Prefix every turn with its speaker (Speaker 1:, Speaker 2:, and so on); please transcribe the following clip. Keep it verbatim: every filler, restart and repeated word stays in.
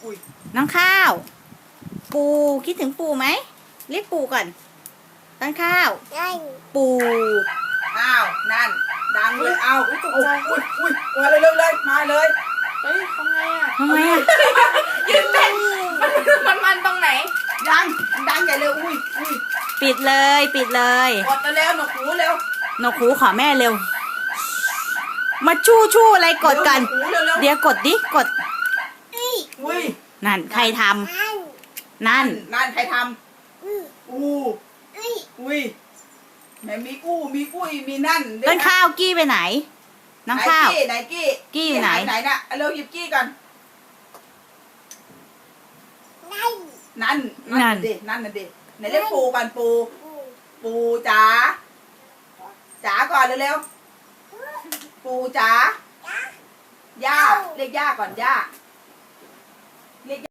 Speaker 1: อุ้ย
Speaker 2: น้องข้าว ปูคิดถึงปูไหมเรียกปูก่อนต้นข้าวปู
Speaker 1: อ้าวนั่นดังเลยเอาอุ้ยตกใจอุ้ยอุ้ยมาเลยเลยมาเลยเฮ้ยทำไงอ่ะ
Speaker 2: ทำไมอ่ะ
Speaker 1: ยืนเต้นมันมันตรงไหนดังดังใหญ่เลยอุ้ยอุ้ย
Speaker 2: ปิดเลยปิดเลย
Speaker 1: กดเร็วหนวกหูเร็วน
Speaker 2: กหูขอแม่เร็ว มาชู้ชู้อะไรกดกัน
Speaker 1: หูเร็วเร็ว
Speaker 2: เดี๋ยวกดดิกด
Speaker 1: อุ้ย
Speaker 2: นั่นใครทำนั่น
Speaker 1: นั่นใครทำอู้อุ้ยแม่มีอู้มีอุ้ยมีนั่น
Speaker 2: ต้นข้าวกี้ไปไหน น้องข้าว
Speaker 1: ไหนกี้
Speaker 2: กี้อยู่ไหน
Speaker 1: ไหนน่ะเร็วหยิบกี้ก่อนนั่นนั่นเด็นั่นน่ะเด็ไหนเรียกปูก่อนปูปูจ๋าจ๋าก่อนเร็วๆปูจ๋าย่าเรียกย่าก่อนย่า